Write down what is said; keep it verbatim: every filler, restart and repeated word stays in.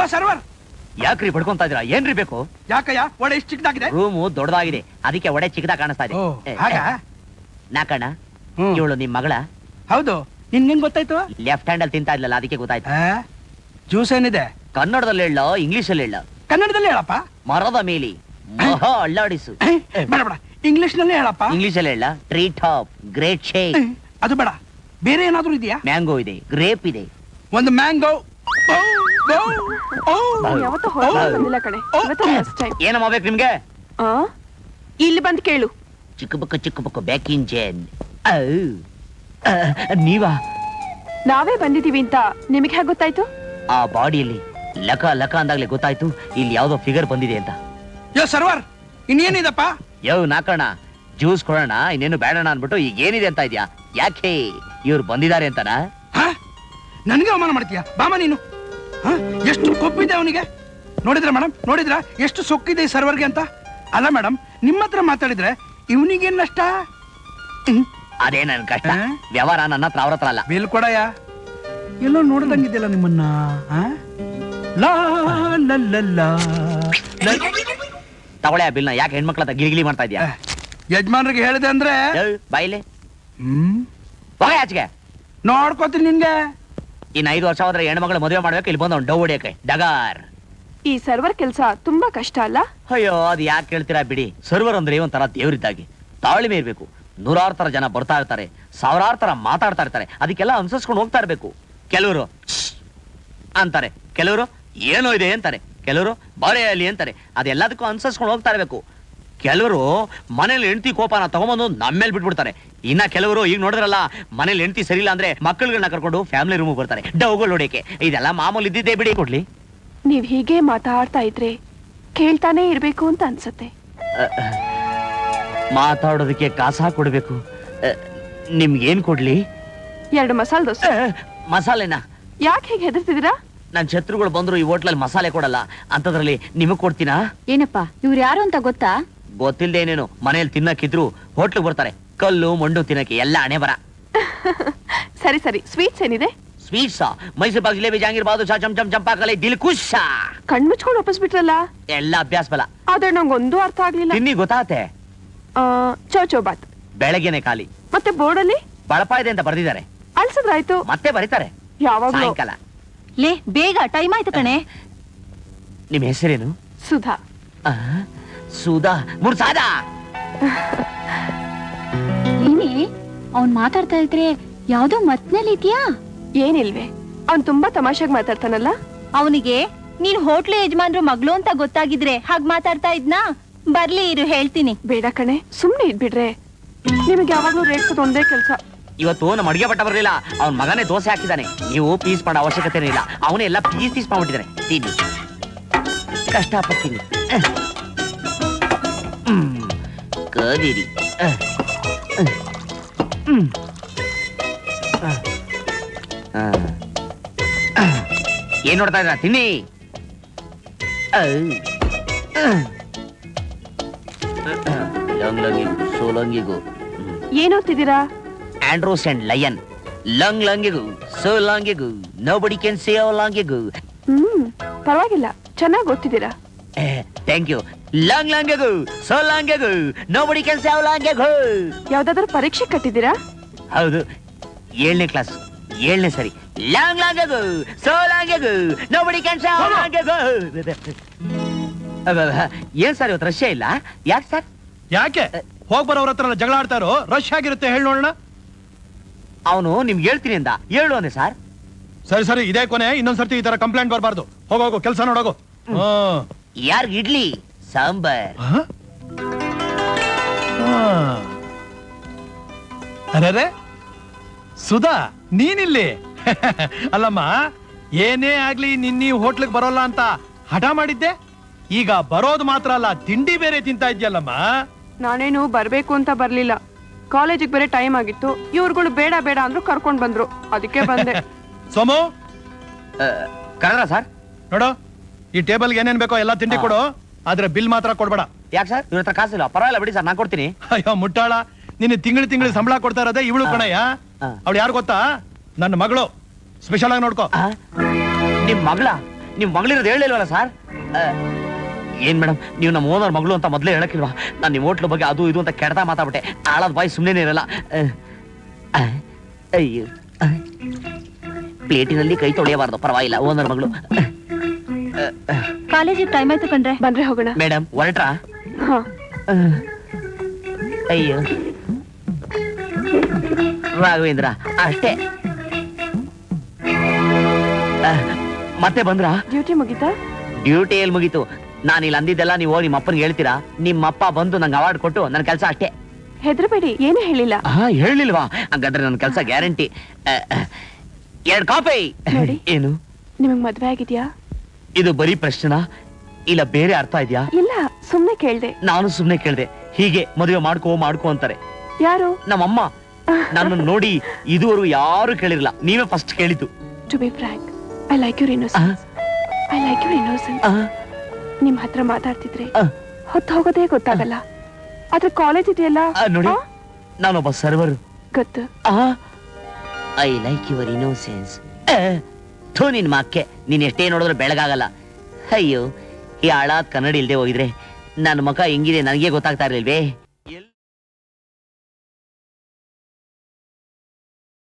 Low server, ಯಾಕ್ರಿ ಬಡ್ಕೊಂತ ಇದ್ದೀರಾ? ಏನ್ರಿ ಬೇಕು? ಯಾಕಯ್ಯ ಒಡೆ ಇಷ್ಟು ಚಿಕ್ಕದಾಗಿದೆ? ರೂಮು ದೊಡ್ಡದಾಗಿದೆ, ಅದಕ್ಕೆ ಒಡೆ ಚಿಕ್ಕದಾಗ ಕಾಣಿಸ್ತಾ ಇದೆ. ನಾಕಣ್ಣ, ಇವಳು ನಿಮ್ ಮಗಳ? ಹೌದು. ನಿನ್ಗೆ ಹೆಂಗ್ ಗೊತ್ತಾಯ್ತು? ಲೆಫ್ಟ್ ಹ್ಯಾಂಡ್ ಅಲ್ಲಿ ತಿಂತಾ ಇದ್ಲಲ್ಲ, ಅದಕ್ಕೆ ಗೊತ್ತಾಯ್ತು. ಜ್ಯೂಸ್ ಏನಿದೆ? ಕನ್ನಡದಲ್ಲಿ ಹೇಳ, ಇಂಗ್ಲಿಷ್ ಅಲ್ಲಿ ಹೇಳ? ಕನ್ನಡದಲ್ಲಿ ಹೇಳಪ್ಪ. ಮರದ ಮೇಲೆ ಮಹಾ ಅಳ್ಳಾಡಿಸು. ಬೇಡ ಬೇಡ, ಇಂಗ್ಲಿಷ್ ನಲ್ಲಿ ಹೇಳಪ್ಪ. ಇಂಗ್ಲಿಷ್ ಅಲ್ಲಿ ಹೇಳ? Tree top, great shake. ಅದು ಬೇಡ, ಬೇರೆ ಏನಾದ್ರೂ ಇದೆಯಾ? ಮ್ಯಾಂಗೋ ಇದೆ, ಗ್ರೇಪ್ ಇದೆ. ಒಂದು ಮ್ಯಾಂಗೋ. ಏನಮ್ಮ ಬೇಕು ನಿಮ್ಗೆ? ಇಲ್ಲಿ ಬಂದ್ ಕೇಳು. ಚಿಕ್ಕ ಬುಕ್ಕ ಚಿಕ್ಕ ಬುಕ್ಕ ಬ್ಯಾಕ್ ಇಂಜನ್. ನೀವಾ? ನಾವೇ ಬಂದಿದೀವಿ ಅಂತ ನಿಮಗೆ ಹೇಗೆ ಗೊತ್ತಾಯ್ತು? ಆ ಬಾಡಿಯಲ್ಲಿ ಲಕ ಲಕ ಅಂದಾಗ್ಲೇ ಗೊತ್ತಾಯ್ತು ಇಲ್ಲಿ ಯಾವ್ದೋ ಫಿಗರ್ ಬಂದಿದೆ ಅಂತ. ಯೋ ಸರ್ವರ್, ಇನ್ನೇನಿದಪ್ಪ? ಯೋ ನಾಕಣ್ಣ, ಜ್ಯೂಸ್ ಕೊಡೋಣ, ಇನ್ನೇನು ಬೇಡಣ ಅನ್ಬಿಟ್ಟು ಈಗ ಏನಿದೆ ಅಂತ ಇದ್ಯಾ? ಯಾಕೆ ಇವ್ರು ಬಂದಿದ್ದಾರೆ ಅಂತನಾ? ನನ್ಗೆ ಅವಮಾನ ಮಾಡ್ತೀಯ? ಬಾಮ ನೀನು. ಎಷ್ಟು ಕೊಪ್ಪಿದೆ ಅವನಿಗೆ ನೋಡಿದ್ರ ಮೇಡಮ್? ನೋಡಿದ್ರ ಎಷ್ಟು ಸೊಕ್ಕಿದೆ ಈ ಸರ್ವರ್ಗೆ ಅಂತ? ಅಲ್ಲ ಮೇಡಮ್, ನಿಮ್ಮ ಹತ್ರ ಮಾತಾಡಿದ್ರೆ ಇವನಿಗೇನ್ ನಷ್ಟ? ಅದೇ ನನ್ ಕಷ್ಟ. ವ್ಯವಹಾರ ನನ್ನ ಹತ್ರ, ಅವ್ರ ಹತ್ರ ಅಲ್ಲ. ಬಿಲ್ ಕೊಡಯ್ಯ. ಎಲ್ಲೋ ನೋಡ್ದಂಗಿದ್ಯಲ್ಲ ನಿಮ್ಮನ್ನ. ತಗೊಳ್ಳೆ ಆ ಬಿಲ್ನ. ಯಾಕೆ ಹೆಣ್ಮಕ್ಳ ಹತ್ರ ಗಿಲಿಗಿಲಿ ಮಾಡ್ತಾ ಇದ್ಯಾ? ಯಜಮಾನ್ರಿಗೆ ಹೇಳಿದೆ ಅಂದ್ರೆ ಬಾಯಿಲೆ ಹ್ಮ್ ಹೋಗ ಆಚೆಗೆ. ನೋಡ್ಕೋತೀನಿ ನಿನ್ಗೆ. ಇನ್ ಐದು ವರ್ಷ ಹೋದ್ರೆ ಹೆಣ್ಮಕ್ಳು ಮದುವೆ ಮಾಡ್ಬೇಕು, ಇಲ್ಲಿ ಬಂದ ಡೌ ಹೊಡಿಯಕ್ಕೆ ಡಗಾರ್. ಈ ಸರ್ವರ್ ಕೆಲಸ ತುಂಬಾ ಕಷ್ಟ ಅಲ್ಲ? ಅಯ್ಯೋ, ಅದು ಯಾಕೆ ಕೇಳ್ತೀರಾ ಬಿಡಿ. ಸರ್ವರ್ ಅಂದ್ರೆ ಒಂಥರ ದೇವ್ರಿದ್ದಾಗಿ, ತಾಳ್ಮೆ ಇರ್ಬೇಕು. ನೂರಾರು ತರ ಜನ ಬರ್ತಾ ಇರ್ತಾರೆ, ಸಾವಿರಾರು ತರ ಮಾತಾಡ್ತಾ ಇರ್ತಾರೆ, ಅದಕ್ಕೆಲ್ಲ ಅನುಸರಿಸ್ಕೊಂಡು ಹೋಗ್ತಾ ಇರ್ಬೇಕು. ಕೆಲವರು ಅಂತಾರೆ, ಕೆಲವರು ಏನೋ ಇದೆ ಅಂತಾರೆ, ಕೆಲವರು ಬಾರೆಯಲ್ಲಿ ಅಂತಾರೆ. ಅದೆಲ್ಲದಕ್ಕೂ ಅನುಸರಿಸ್ಕೊಂಡು ಹೋಗ್ತಾ ಇರ್ಬೇಕು. ಕೆಲವರು ಮನೇಲಿ ಹೆಂಡತಿ ಕೋಪನ ತಗೊಂಬಂದು ನಮ್ಮೇಲೆ ಬಿಟ್ಬಿಡ್ತಾರೆ. ಇನ್ನ ಕೆಲವರು ಈಗ ನೋಡಿದ್ರಲ್ಲ, ಮನೇಲಿ ಹೆಂಡತಿ ಸರಿಯಿಲ್ಲ ಅಂದ್ರೆ ಮಕ್ಕಳುಗಳನ್ನ ಕರ್ಕೊಂಡು ಫ್ಯಾಮಿಲಿ ರೂಮ್ ಬರ್ತಾರೆ ಡೌಗಳು ನೋಡಕ್ಕೆ. ಇದೆಲ್ಲ ಮಾಮೂಲಿ ಇದ್ದಿದ್ದೇ ಬಿಡಿ. ಕೊಡ್ಲಿ, ನೀವ್ ಹೀಗೆ ಮಾತಾಡ್ತಾ ಇದ್ರೆ ಕೇಳ್ತಾನೆ ಇರ್ಬೇಕು ಅಂತ ಅನ್ಸತ್ತೆ. ಮಾತಾಡೋದಕ್ಕೆ ಕಾಸ ಕೊಡ್ಬೇಕು. ನಿಮ್ಗೇನ್ ಕೊಡ್ಲಿ? ಎರಡು ಮಸಾಲೆ ದೋಸೆ. ಮಸಾಲೆನಾ? ಯಾಕೆ ಹೇಗೆ ಹೆದರ್ತಿದ್ದೀರಾ? ನನ್ ಶತ್ರುಗಳು ಬಂದ್ರು ಈ ಹೋಟ್ಲಲ್ಲಿ ಮಸಾಲೆ ಕೊಡಲ್ಲ, ಅಂತದ್ರಲ್ಲಿ ನಿಮಗ್ ಕೊಡ್ತೀನಾ? ಏನಪ್ಪ ಇವ್ರು ಯಾರು ಅಂತ ಗೊತ್ತಾ? ಗೊತ್ತಿಲ್ದೆ ಏನೇನು. ಮನೇಲಿ ತಿನ್ನಕ್ಕಿದ್ರು ಹೋಟ್ಲಿಗೆ ಬರ್ತಾರೆ, ಕಲ್ಲು ಮಂಡು ತಿನ್ನಕ್ಕೆ. ಎಲ್ಲ ಹಣೆ ಬರ. ಸರಿ ಸರಿ, ಸ್ವೀಟ್ಸ್ ಏನಿದೆ? ಸ್ವೀಟ್ಸಾ? ಮೈಸೂರು ಪಾಕ್, ಜಿಲೇಬಿ, ಜಾಂಗೀರ್, ಬಾದುಷಾ, ಚಮ್ ಚಮ್ ಚಂಪಾಕಲೆ, ದಿಲ್ಕುಷ. ಕಣ್ ಮುಚ್ಕೊಂಡು ವಾಪಸ್ ಬಿಟ್ರಲ್ಲ? ಎಲ್ಲ ಅಭ್ಯಾಸ ಬಲ. ಆದ್ರೆ ನಂಗೊಂದು ಅರ್ಥ ಆಗ್ಲಿಲ್ಲ. ತಿನ್ನಿ ಗೊತ್ತಾತೆ. ಚೌ ಚೌ ಬಾತ್ ಬೆಳಗ್ಗೆನೆ ಖಾಲಿ. ಮತ್ತೆ ಬೋರ್ಡಲ್ಲಿ ಬಳಪ ಇದೆ ಅಂತ ಬರ್ದಿದ್ದಾರೆ. ಅಳ್ಸದ್ರಾಯ್ತು. ಮತ್ತೆ ಬರೀತಾರೆ ಯಾವಾಗ? ಸಾಯಂಕಾಲ. ಲೇ ಬೇಗ, ಟೈಮ್ ಆಯ್ತು ಕಣೆ. ನಿಮ್ ಹೆಸರೇನು? ಸುಧಾ. ಸುಧಾ ಮುರ್ಸಾದಾ. ನೀನೇ ಅವ್ನ್ ಮಾತಾಡ್ತಾ ಇದ್ರೆ ಯಾವ್ದೋ ಮತ್ನಲ್ಲಿ ಇದೆಯಾ? ಏನಿಲ್ವೇ, ಅವ್ನ್ ತುಂಬಾ ತಮಾಷೆಗೆ ಮಾತಾಡ್ತಾನಲ್ಲ. ಅವನಿಗೆ ನೀನ್ ಹೋಟ್ಲು ಯಜಮಾನ್ರು ಮಗಳು ಅಂತ ಗೊತ್ತಾಗಿದ್ರೆ ಹಾಗ್ ಮಾತಾಡ್ತಾ ಇದ್ನಾ? ಬರ್ಲಿ ಇರು, ಹೇಳ್ತೀನಿ. ಬೇಡ ಕಣೆ, ಸುಮ್ನೆ ಇದ್ಬಿಡ್ರೆ. ನಿಮಗೆ ಯಾವಾಗ್ಲೂ ರೇಟ್ಸೋದು ಒಂದೇ ಕೆಲ್ಸ. ಇವತ್ತು ನಮ್ಮ ಅಡಿಗೆ ಭಟ್ಟ ಬರ್ಲಿಲ್ಲ, ಅವ್ನ ಮಗನೇ ದೋಸೆ ಹಾಕಿದ್ದಾನೆ. ನೀವು ಪೀಸ್ ಮಾಡೋ ಅವಶ್ಯಕತೆ ಇಲ್ಲ, ಅವನೇ ಎಲ್ಲ ಪೀಸ್ ಪೀಸ್ ಮಾಡ್ಬಿಟ್ಟಿದ್ದಾನೆ. ತಿನ್ನಿ, ಕಷ್ಟಪಡ್ತೀನಿ. ಕದೀರಿ. ಏನ್ ನೋಡ್ತಾ ಇದ್ರ? ತಿನ್ನಿ. ಲಂಗಿಗೂ ಸೋಲಂಗಿಗೂ ಏನ್ ಓದ್ತಿದ್ದೀರಾ? Androcles and lion. ಲಂಗ್ ಲಂಗಿಗೂ ಸೋಲಂಗಿಗೂ ನೋಬಡಿ ಕ್ಯಾನ್ ಸೇವ್ ಲಂಗಿಗೂ. ಹ್ಮ್ ಪರವಾಗಿಲ್ಲ, ಚೆನ್ನಾಗಿ ಓದ್ತಿದ್ದೀರಾ. Thank you. ಲಂಗ್ ಲಂಗಿಗೂ ಸೋಲಂಗಿಗೂ ನೋಬಡಿ ಕ್ಯಾನ್ ಸೇವ್ ಲಂಗಿಗೂ. ಯಾವ್ದಾದ್ರು ಪರೀಕ್ಷೆ ಕಟ್ಟಿದ್ದೀರಾ? ಹೌದು, ಏಳನೇ ಕ್ಲಾಸ್, ಏಳನೇ ಸರಿ. ಲಾಂಗ್ ಲಾಂಗಿಗೂ ಸೋಲಂಗಿಗೂ ನೋಬಡಿ ಕ್ಯಾನ್ ಸೇವ್ ಲಂಗಿಗೂ. ಏನ್ ಸರ್ ಇವತ್ತು ರಶ್ಯ ಇಲ್ಲ? ಯಾಕೆ ಸರ್? ಯಾಕೆ ಹೋಗ್ ಬರೋರ ಹತ್ರ ಜಗಳ ಆಡ್ತಾರೋ? ರಶ್ ಆಗಿರುತ್ತೆ, ಹೇಳಿ ನೋಡೋಣ. ಅವನು ನಿಮ್ಗೆ ಹೇಳ್ತೀನಿ ಅಂದ, ಹೇಳು ಅಂದೆ ಸರ್. ಸರಿ ಸರಿ, ಇದೇ ಕೊನೆ, ಇನ್ನೊಂದ್ಸರ್ತಿ ಈ ತರ ಕಂಪ್ಲೇಂಟ್ ಬರಬಾರ್ದು. ಹೋಗೋಗು, ಕೆಲಸ ನೋಡೋಗು. ಯಾರ್ ಇಡ್ಲಿ ಸಾಂಬಾರ್? ಅರೆ ಸುಧಾ, ನೀನಿಲ್ಲಿ? ಅಲ್ಲಮ್ಮ, ಏನೇ ಆಗ್ಲಿ ನಿನ್ನೀ ಹೋಟ್ಲಿಗೆ ಬರೋಲ್ಲ ಅಂತ ಹಠ ಮಾಡಿದ್ದೆ, ಈಗ ಬರೋದು ಮಾತ್ರ ಅಲ್ಲ, ತಿಂಡಿ ಬೇರೆ ತಿಂತಾ ಇದ್ಯಲ್ಲಮ್ಮ. ನಾನೇನು ಬರ್ಬೇಕು ಅಂತ ಬರ್ಲಿಲ್ಲ, ಕಾಲೇಜಿಗೆ ಬೇರೆ ಟೈಮ್ ಆಗಿತ್ತು. ಇವ್ರುಗಳು ಬೇಡ ಬೇಡ ಅಂದ್ರು, ಕರ್ಕೊಂಡ್ ಬಂದ್ರು, ಅದಕ್ಕೆ ಬಂದೆ. ಸೋಮು, ಕರೆದ್ರ ಸರ್? ನೋಡು, ಈ ಟೇಬಲ್ಗೆ ಏನೇನ್ ಬೇಕೋ ಎಲ್ಲ ತಿಂಡಿ ಕೊಡು, ಆದ್ರೆ ಬಿಲ್ ಮಾತ್ರ ಕೊಡ್ಬೇಡ. ಯಾಕೆ ಸರ್? ಇವ್ರ ಹತ್ರ ಕಾಸಿಲ್ಲ. ಪರವಾಗಿಲ್ಲ ಬಿಡಿ ಸರ್, ನಾನ್ ಕೊಡ್ತೀನಿ. ಅಯ್ಯೋ ಮುಟ್ಟಾಳ, ನಿನ್ನ ತಿಂಗಳು ತಿಂಗಳು ಸಂಬಳ ಕೊಡ್ತಾ ಇರೋದೇ ಇವಳು ಕಣಯ್ಯ. ಅವಳು ಯಾರು ಗೊತ್ತಾ? ನನ್ನ ಮಗಳು. ಸ್ಪೆಷಲ್ ಆಗಿ ನೋಡ್ಕೋ. ನಿಮ್ ಮಗಳ? ನಿಮ್ ಮಗಳಿರೋದು ಹೇಳಿಲ್ವಲ್ಲ ಸರ್? ಏನ್ ಮೇಡಮ್, ನೀವು ನಮ್ಮ ಓನರ್ ಮಗಳು ಅಂತ ಮೊದಲೇ ಹೇಳಕ್ಕಿಲ್ವಾ? ನಾನು ನಿಮ್ಮ ಹೋಟ್ಲ ಬಗ್ಗೆ ಅದು ಇದು ಅಂತ ಕೆಡ್ತಾ ಮಾತಾಡ್ಬಿಟ್ಟೆ. ಆಳದ ಬಾಯಿ ಸುಮ್ಮನೆ ಇರಲ್ಲ. ಅಹ್, ಅಯ್ಯೋ, ಅಹ್. ಪ್ಲೇಟಿನಲ್ಲಿ ಕೈ ತೊಳೆಯಬಾರ್ದು, ಪರವಾಗಿಲ್ಲ. ಓನರ್ ಮಗಳು. ಕಾಲೇಜಿಗೆ ಟೈಮ್ ಆಯ್ತು ಕಣ್ರೆ. ಬಂದ್ರೆ ಹೋಗೋಣ. ಮೇಡಮ್ ಹೊರಟ್ರಾ? ಹಾ. ಅಹ್. ಅಯ್ಯೋ ರಾಘವೇಂದ್ರ, ಅಷ್ಟೇ. ಅಹ್, ಮತ್ತೆ ಬಂದ್ರಾ? ಡ್ಯೂಟಿ ಮುಗಿತಾ? ಡ್ಯೂಟಿ ಎಲ್ಲಿ ಮುಗೀತು? ನಾನು ಇಲ್ಲಿ ಅಂದಿದ್ದೆಲ್ಲ ನೀವು ಹೋಗಿ ನಿಮ್ಮ ಅಪ್ಪನಿಗೆ ಹೇಳ್ತೀರಾ? ನಿಮ್ಮಪ್ಪ ಬಂದು ನಂಗೆ ಅವಾರ್ಡ್ ಕೊಟ್ಟು ನನ್ನ ಕೆಲಸ ಅಷ್ಟೇ. ಹೆದರಬೇಡಿ, ಏನು ಹೇಳಿಲ್ಲ. ಹಾ, ಹೇಳಿಲ್ವಾ? ಹಂಗಾದ್ರೆ ನನ್ನ ಕೆಲಸ ಗ್ಯಾರಂಟಿ. ಎರಡ್ ಕಾಪಿ. ನೋಡಿ. ಏನು? ನಿಮಗ್ ಮದ್ವೆ ಆಗಿದ್ಯಾ? ಇದು ಬರೀ ಪ್ರಶ್ನೆನಾ ಇಲ್ಲ ಬೇರೆ ಅರ್ಥ ಇದೆಯಾ? ಇಲ್ಲ, ಸುಮ್ನೆ ಕೇಳ್ದೆ. ನಾನು ಸುಮ್ನೆ ಕೇಳ್ದೆ. ಹೀಗೆ ಮದುವೆ ಮಾಡ್ಕೋ ಮಾಡ್ಕೋ ಅಂತಾರೆ ಯಾರು? ನಮ್ಮಮ್ಮ. ನನ್ನ ನೋಡಿ ಇದುವರೆಗೂ ಯಾರು ಕೇಳಿರಲ್ಲ, ನೀವೇ ಫಸ್ಟ್ ಕೇಳಿದ್ದು. To be frank, I like your innocence. I like your innocence. ನಿಮ್ ಹತ್ರ ಮಾತಾಡ್ತಿದ್ರೆ ಹೊತ್ತು ಹೋಗೋದೇ ಗೊತ್ತಾಗಲ್ಲ. ಆದ್ರೆ ಕಾಲೇಜ್ ಇದೆಯಲ್ಲ, ನೋಡಿ, ಆ? ನಾನೊಬ್ಬ ಸರ್ವರ್. ಗೊತ್ತು. I like your innocence. ಥೂ, ನಿನ್ ಮಾಕ್ಕೆ ನೀನ್ ಎಷ್ಟೇ ನೋಡಿದ್ರು ಬೆಳಗಾಗಲ್ಲ. ಅಯ್ಯೋ, ಈ ಹಾಳಾದ್ ಕನ್ನಡ ಇಲ್ದೆ ಹೋಗಿದ್ರೆ ನನ್ನ ಮುಖ ಹೆಂಗಿದೆ ನನಗೆ ಗೊತ್ತಾಗ್ತಾ ಇರ್ಲಿಲ್ವೇ?